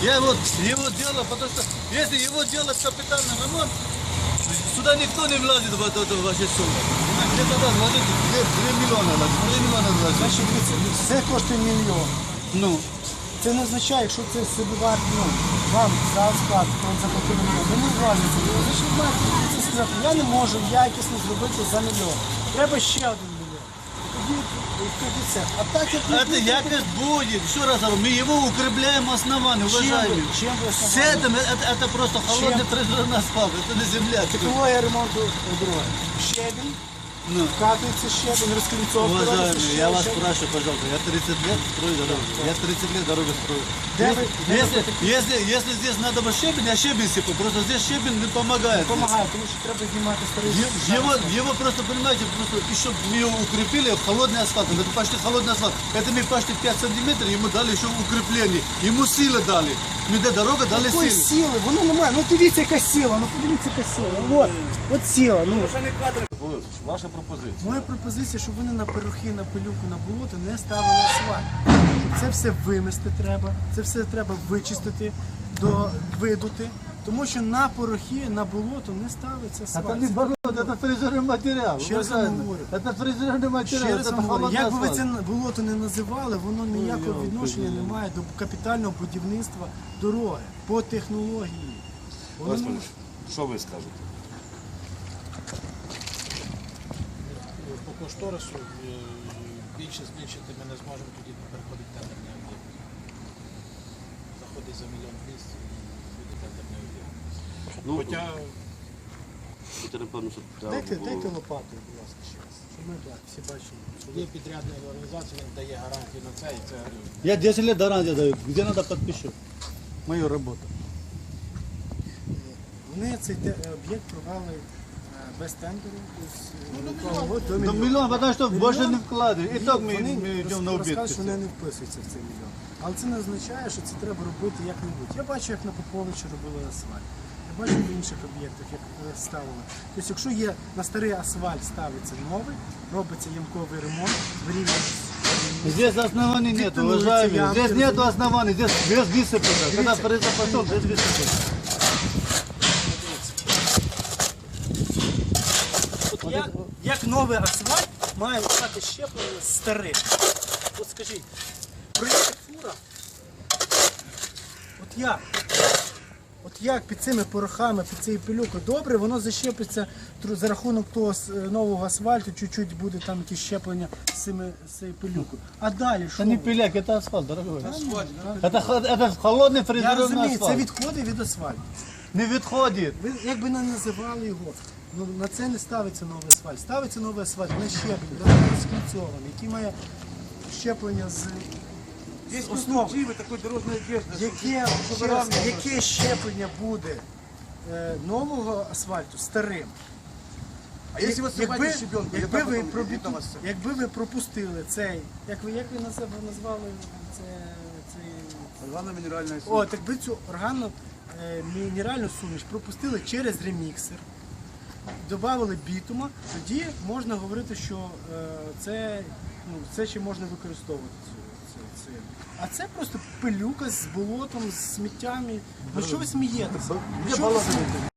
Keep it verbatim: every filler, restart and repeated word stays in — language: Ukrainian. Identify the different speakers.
Speaker 1: Я вот его делал, потому что если его делать капитальный ремонт, сюда никто не влазит в эту, эту вашу сумму. Где тогда вложить три миллиона, три миллиона вложить.
Speaker 2: Значить, дивіться, все коштує мільйон.
Speaker 1: Ну,
Speaker 2: Це не означає, якщо це собівартість, ну, вам за склад, то заплатили мільйон, ви не влазите. Ви значить, маєте це сказати, я не можу якісно зробити за мільйон. Треба ще один мільйон. Тоді, тоді це. А так, як ви
Speaker 1: это
Speaker 2: будете-
Speaker 1: якость будет. Еще раз говорю, мы его укрепляем основание,
Speaker 2: Чим ви,
Speaker 1: уважаемые.
Speaker 2: чим ви
Speaker 1: С
Speaker 2: основали?
Speaker 1: этим это, это просто холодный трезорный асфальт, это не земля.
Speaker 2: Технологія ремонту дороги. Щебінь,
Speaker 1: Ну,
Speaker 2: вкатується щебінь, розкліцовка.
Speaker 1: уважаемые, я вас спрашиваю, пожалуйста, я тридцать лет строю дорогу, я тридцать лет дорогу строю.
Speaker 2: Да
Speaker 1: Если,
Speaker 2: вы- да вы
Speaker 1: если,
Speaker 2: такие-
Speaker 1: если, если здесь надо бы щебень, я щебень сыпу, просто здесь щебень не помогает.
Speaker 2: Допомагає, тому що треба знімати старий.
Speaker 1: Е- Его, его просто, понимаете, просто еще мы его укрепили холодный асфальтом. Это почти холодный асфальт. Это мы почти пять сантиметров, ему дали еще укрепление. Ему силы дали. Мы до дорога дали
Speaker 2: Якої
Speaker 1: силы.
Speaker 2: сили? Воно немає. Ну дивіться, яка сила, ну подивіться, яка сила. От, от сила. Ну.
Speaker 3: Ваша пропозиція.
Speaker 2: Моя пропозиція, щоб вони на перухи, на пилюку, на болото не ставили асфальт. Щоб це все вимести треба, це все треба вичистити, до, видути. Тому що на порохи, на болото не ставиться
Speaker 1: Это
Speaker 2: асфальт.
Speaker 1: не болото, это фрезерный материал.
Speaker 2: Ще раз вам
Speaker 1: уважаемые.
Speaker 2: говорю.
Speaker 1: Это фрезерный материал,
Speaker 2: Ще раз
Speaker 1: это
Speaker 2: вам говорю,
Speaker 1: холодный
Speaker 2: як би ви це
Speaker 1: асфальт.
Speaker 2: болото не називали, воно ніякого
Speaker 1: Ой,
Speaker 2: відношення
Speaker 1: Боже.
Speaker 2: не має до капітального будівництва дороги по технології. Воно не
Speaker 3: Олег, що ви скажете?
Speaker 4: По кошторису е, більше збільшити ми не зможемо, тоді переходить тендерний об'єкт. Заходить за мільйон двісті і буде тендерний об'єкт.
Speaker 3: Ну,
Speaker 4: Хоча
Speaker 3: це, напевно, що треба
Speaker 2: Дайте,
Speaker 3: було-
Speaker 2: дайте лопату, будь ласка, ще раз. Щоб ми так, всі бачили.
Speaker 4: є підрядна організація, він дає гарантію на це, і це
Speaker 1: Я десять лет гарантию даю. Где надо подпишу. Мою работу.
Speaker 2: Вони цей те- об'єкт провели е, без тендеру. тобто, до
Speaker 1: Ну,
Speaker 2: мільйона.
Speaker 1: миллион, потому что
Speaker 2: Мільйон?
Speaker 1: больше не вкладывают. И
Speaker 2: Ні,
Speaker 1: так мы,
Speaker 2: вони
Speaker 1: мы идем на
Speaker 2: розкажуть,
Speaker 1: убытки.
Speaker 2: що вони не вписуються в цей мільйон. Але це не означає, що це треба робити як-небудь. Я бачу, як на Поповичі робили асфальт. Я бачу в інших об'єктах, як е, ставили. Тобто, якщо є на старий асфальт ставиться новий, робиться ямковий ремонт, вирівнюється.
Speaker 1: Здесь оснований нет,
Speaker 2: Бетонуются
Speaker 1: уважаемые.
Speaker 2: ямки,
Speaker 1: Здесь нет
Speaker 2: разумеете?
Speaker 1: оснований, здесь без высыпано. Когда произошел, без высыпано.
Speaker 2: От як, як новий асфальт має стати щеплений з старим? От скажіть, проїхати фура, от як? От як під цими порохами, під цією пилюкою добре, воно защепиться тру- за рахунок того с- нового асфальту, чуть-чуть буде там якісь щеплення з цими з цією пилюкою. А далі що?
Speaker 1: Это не
Speaker 2: ви?
Speaker 1: пиляк, это асфальт, дорогой.
Speaker 2: Асфальт, так.
Speaker 1: Это, хо- это холодный
Speaker 2: Я
Speaker 1: фрезерный
Speaker 2: розумію, це
Speaker 1: асфальт.
Speaker 2: відходи від асфальту.
Speaker 1: Не відходить.
Speaker 2: Ви як би не називали його, ну на це не ставиться новий асфальт. Ставиться новий асфальт на щеплення, розкільцьований, який має щеплення з
Speaker 3: Есть
Speaker 2: основ.
Speaker 3: конструктивы такой дорожной одежды.
Speaker 2: Яке, ще раз, яке щеплення буде е, нового асфальту старим?
Speaker 3: А если вы
Speaker 2: Якби,
Speaker 3: снимаете щебенку,
Speaker 2: якби,
Speaker 3: яка
Speaker 2: ви
Speaker 3: потім
Speaker 2: пробу-
Speaker 3: відома з цим?
Speaker 2: якби ви пропустили цей, як ви, як ви назив- назвали це, цей
Speaker 3: Органна мінеральна
Speaker 2: От, якби цю органну е, мінеральну суміш пропустили через реміксер, додали бітума, тоді можна говорити, що е, це, ну, це ще можна використовувати. Цю, це, це. А це просто пилюка з болотом, з сміттями. Ну що ви смієтеся?
Speaker 1: Где
Speaker 2: Що ви
Speaker 1: болото?
Speaker 2: смієтеся?